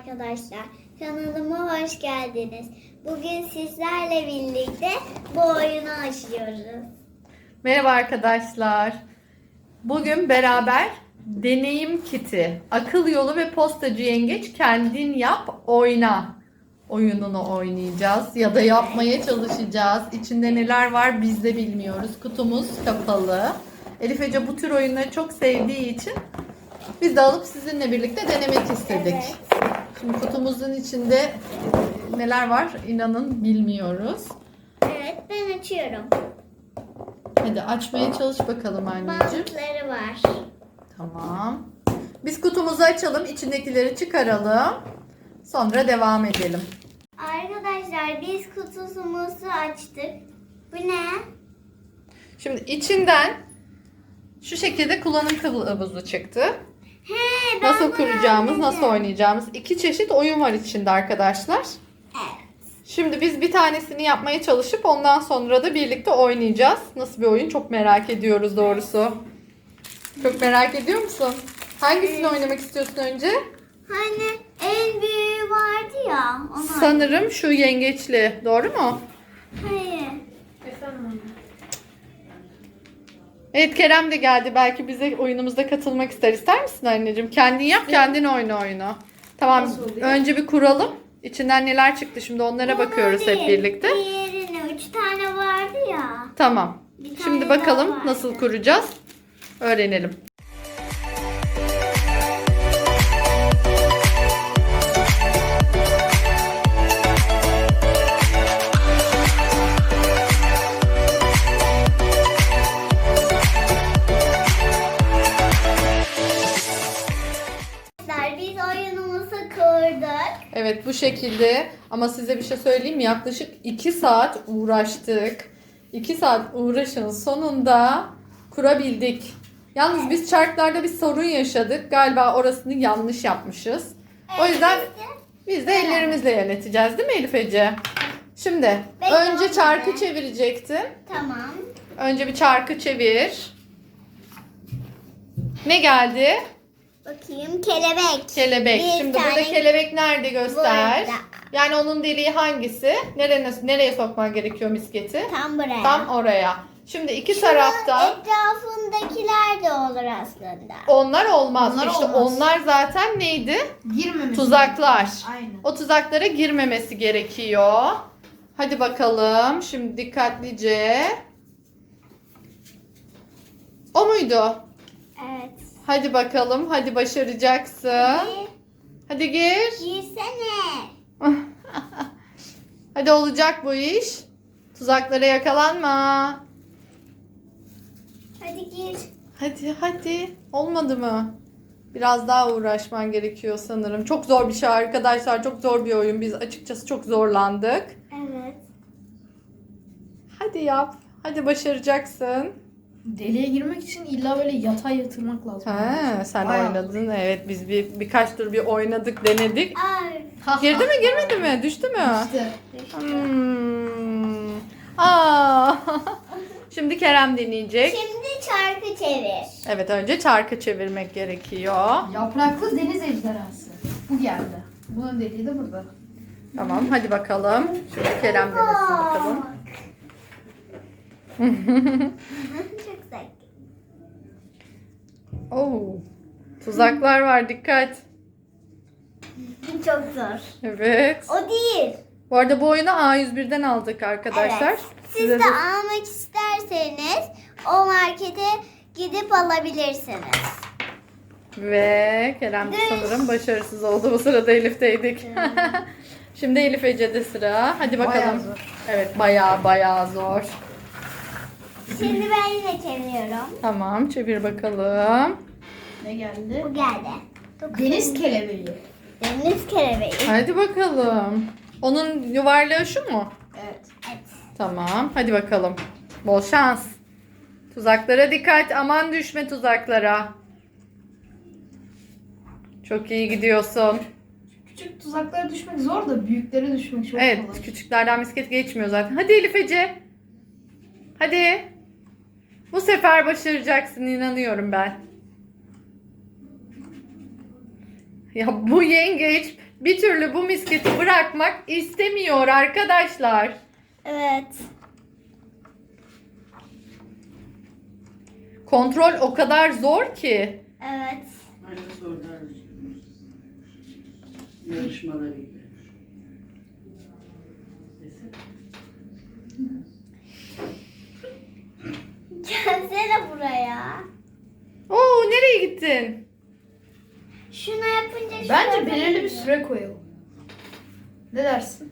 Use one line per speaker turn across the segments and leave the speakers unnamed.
arkadaşlar. Kanalıma hoş geldiniz. Bugün sizlerle birlikte bu oyunu açıyoruz.
Merhaba arkadaşlar. Bugün beraber deneyim kiti, akıl yolu ve postacı yengeç kendin yap oyna oyununu oynayacağız ya da yapmaya çalışacağız. İçinde neler var biz de bilmiyoruz. Kutumuz kapalı. Elif Ece bu tür oyunları çok sevdiği için biz de alıp sizinle birlikte denemek istedik.
Evet.
Şimdi kutumuzun içinde neler var inanın bilmiyoruz.
Evet, ben açıyorum.
Hadi açmaya çalış bakalım anneciğim.
Bantları var.
Tamam. Biz kutumuzu açalım, içindekileri çıkaralım. Sonra devam edelim.
Arkadaşlar biz kutusumuzu açtık. Bu ne?
Şimdi içinden şu şekilde kullanım kılavuzu çıktı.
He, ben
Nasıl
bunu
kuracağımız,
anladım.
nasıl oynayacağımız. İki çeşit oyun var içinde arkadaşlar.
Evet.
Şimdi biz bir tanesini yapmaya çalışıp ondan sonra da birlikte oynayacağız. Nasıl bir oyun çok merak ediyoruz doğrusu. Çok merak ediyor musun? Hangisini oynamak istiyorsun önce?
Hani en büyüğü vardı ya. Onu
Sanırım şu yengeçli. Doğru mu?
Hayır.
Evet, Kerem de geldi. Belki bize oyunumuzda katılmak ister. İster misin anneciğim? Kendin yap, kendin oyna oyunu. Tamam.
Nasıl oluyor?
Önce bir kuralım. İçinden neler çıktı şimdi onlara bakıyoruz
Bunu
hep
değil,
birlikte.
Diğerini 3 tane vardı ya.
Tamam.
Bir tane
Şimdi
daha
bakalım
vardı.
nasıl kuracağız. Öğrenelim.
Biz oyunumuzu kurduk.
Evet, bu şekilde ama size bir şey söyleyeyim mi? Yaklaşık 2 saat uğraştık. 2 saat uğraşın sonunda kurabildik. Yalnız biz çarklarda bir sorun yaşadık. Galiba orasını yanlış yapmışız. O yüzden biz de ellerimizle yöneteceğiz değil mi Elif Ece? Şimdi
Bekle,
önce çarkı
anne.
çevirecektin.
Tamam.
Önce bir çarkı çevir. Ne geldi?
Bakayım kelebek.
Kelebek.
Bir
Şimdi burada
tane
kelebek nerede göster.
burada.
Yani onun deliği hangisi? Nereye sokman gerekiyor misketi?
Tam buraya.
Tam oraya. Şimdi iki
Şunun
tarafta
etrafındakiler de olur aslında.
onlar olmaz.
Onlar
işte
olmaz.
onlar zaten neydi?
Girmemesi.
Tuzaklar.
Aynen.
O tuzaklara girmemesi gerekiyor. Hadi bakalım. Şimdi dikkatlice. O muydu?
Evet.
Hadi bakalım. Hadi başaracaksın. Hadi gir.
Girsene.
Hadi olacak bu iş. Tuzaklara yakalanma.
Hadi gir.
Hadi. Olmadı mı? Biraz daha uğraşman gerekiyor sanırım. Çok zor bir şey arkadaşlar. Çok zor bir oyun. Biz açıkçası çok zorlandık.
Evet.
Hadi yap. Hadi başaracaksın.
Deliğe girmek için illa böyle yatay yatırmak lazım.
Ha, sen
Bayağı.
oynadın. Evet, biz birkaç tur bir oynadık, denedik.
Ay.
Girdi mi, girmedi mi? Düştü mü?
İşte.
Hmm. Aa. Şimdi Kerem deneyecek.
Şimdi çarkı çevir.
Evet, önce çarkı çevirmek gerekiyor.
Yapraklı deniz ejderhası. Bu geldi. Bunun deliği de burada.
Tamam, hadi bakalım. Şimdi Kerem denesin bakalım.
Çok zevkli.
Oo. Tuzaklar var, dikkat.
Çok zor.
Evet.
O değil.
Bu arada bu oyunu A101'den aldık arkadaşlar.
Evet. Siz
Size
de
de-
almak isterseniz o markete gidip alabilirsiniz.
Ve Kerem de sanırım başarısız oldu. Bu sırada Elif'teydik. Şimdi Elif Ece'de sıra. Hadi bakalım.
Bayağı zor.
Evet, bayağı zor.
Şimdi ben yine çeviriyorum.
Tamam, çevir bakalım.
Ne geldi?
Bu geldi.
Deniz kelebeği.
Deniz kelebeği.
Hadi bakalım. Onun yuvarlağı şu mu?
Evet.
Evet.
Tamam, hadi bakalım. Bol şans. Tuzaklara dikkat. Aman düşme tuzaklara. Çok iyi gidiyorsun.
Küçük tuzaklara düşmek zor da büyüklere düşmek çok
Evet,
kolay.
küçüklerden misket geçmiyor zaten. Hadi Elif Ece. Hadi. Bu sefer başaracaksın, inanıyorum ben. Ya bu yengeç bir türlü bu misketi bırakmak istemiyor arkadaşlar.
Evet.
Kontrol o kadar zor ki.
Evet.
Aynı sorular yarışmaları gibi.
Gelsene buraya.
Oo, nereye gittin?
Şunu yapınca şu
Bence
yapınca-
belirli bir süre koyalım. Ne dersin?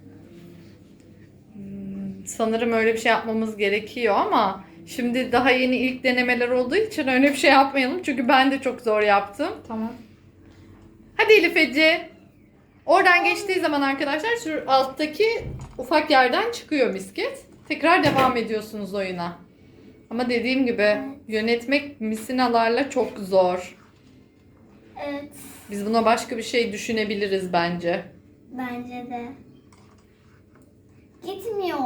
Sanırım öyle bir şey yapmamız gerekiyor ama şimdi daha yeni ilk denemeler olduğu için öyle bir şey yapmayalım. Çünkü ben de çok zor yaptım.
Tamam.
Hadi Elif Ece. Oradan geçtiği zaman arkadaşlar şu alttaki ufak yerden çıkıyor misket. Tekrar devam ediyorsunuz oyuna. Ama dediğim gibi yönetmek misinalarla çok zor.
Evet.
Biz buna başka bir şey düşünebiliriz bence.
Bence de. Gitmiyor.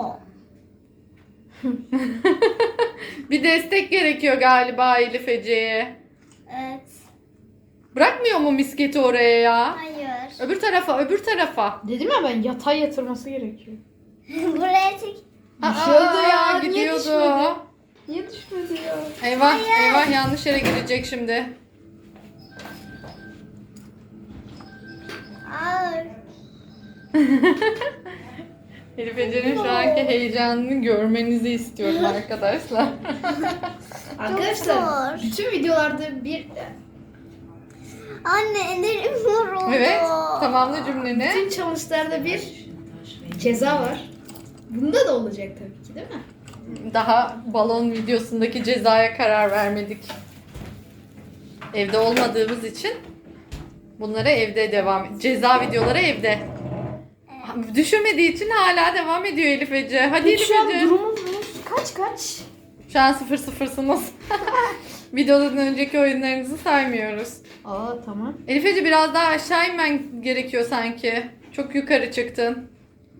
Bir destek gerekiyor galiba Elif Ece'ye.
Evet.
Bırakmıyor mu misketi oraya ya?
Hayır.
Öbür tarafa, öbür tarafa.
Dedim ya ben yatay yatırması gerekiyor.
Buraya çek.
Düşüyordu ya, niye
gidiyordu.
düşmedi? Niye düşmedi ya?
Eyvah,
Hayır.
eyvah yanlış yere girecek şimdi.
Ağır.
Elif Ece'nin şu anki heyecanını görmenizi istiyorum arkadaşlar.
Arkadaşlar
zor.
bütün videolarda bir
Anne ellerim yoruldu.
Evet, tamamla cümleni.
bütün challenge'larda bir ceza var. Bunda da olacak tabii ki değil mi?
Daha balon videosundaki cezaya karar vermedik. Evde olmadığımız için bunlara evde devam. Ceza videoları evde. Düşünmediği için hala devam ediyor Elif Ece. Hadi
Peki
Elif
şu an
Ece.
durumumuz kaç?
Şu an 0-0'sınız. Videodan önceki oyunlarınızı saymıyoruz.
Aa tamam.
Elif Ece biraz daha aşağı inmen gerekiyor sanki. Çok yukarı çıktın.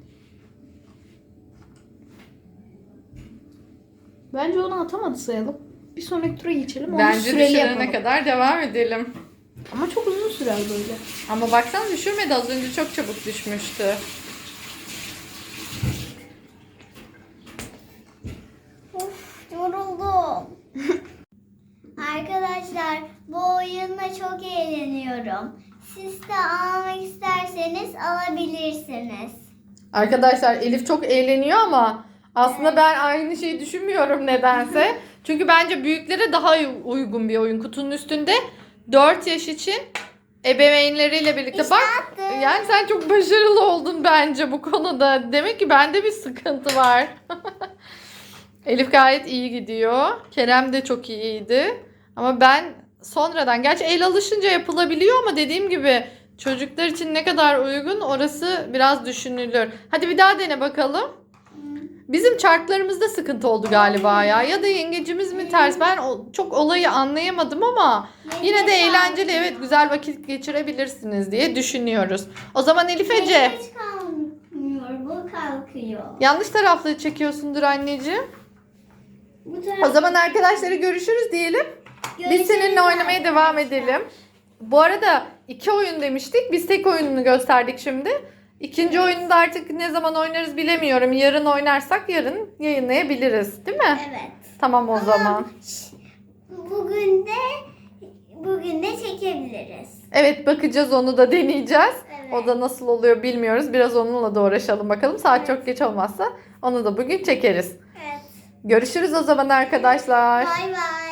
Bence onu atamadı sayalım. Bir sonraki tura geçelim. Onu
Bence
süreli
düşürene
yapalım.
kadar devam edelim.
Ama çok uzun sürer böyle.
Ama baksana düşürmedi, az önce çok çabuk düşmüştü.
Of, yoruldum. Arkadaşlar bu oyunla çok eğleniyorum. Siz de almak isterseniz alabilirsiniz.
Arkadaşlar Elif çok eğleniyor ama aslında ben aynı şeyi düşünmüyorum nedense. Çünkü bence büyüklere daha uygun bir oyun. Kutunun üstünde 4 yaş için ebeveynleriyle birlikte
İşte
bak.
attım.
Yani sen çok başarılı oldun bence bu konuda. Demek ki bende bir sıkıntı var. Elif gayet iyi gidiyor. Kerem de çok iyiydi. Ama ben sonradan, gerçi el alışınca yapılabiliyor ama dediğim gibi çocuklar için ne kadar uygun orası biraz düşünülür. Hadi bir daha dene bakalım. Bizim çarklarımızda sıkıntı oldu galiba ya. Ya da yengecimiz mi ters? Ben çok olayı anlayamadım ama yine de eğlenceli, evet, güzel vakit geçirebilirsiniz diye düşünüyoruz. O zaman Elif Ece,
Yengeç kalkmıyor, bu kalkıyor.
yanlış taraflı çekiyorsundur anneciğim.
Bu
O zaman arkadaşları görüşürüz diyelim. Biz
Görüşürüz
seninle oynamaya devam
arkadaşlar.
edelim. Bu arada 2 oyun demiştik. Biz tek oyununu gösterdik şimdi. İkinci oyunu da artık ne zaman oynarız bilemiyorum. Yarın oynarsak yarın yayınlayabiliriz. Değil mi?
Evet.
Tamam o zaman.
Bugün de çekebiliriz.
Evet, bakacağız, onu da deneyeceğiz.
Evet.
O da nasıl oluyor bilmiyoruz. Biraz onunla da uğraşalım bakalım. Saat çok geç olmazsa onu da bugün çekeriz.
Evet.
Görüşürüz o zaman arkadaşlar.
Bay bay.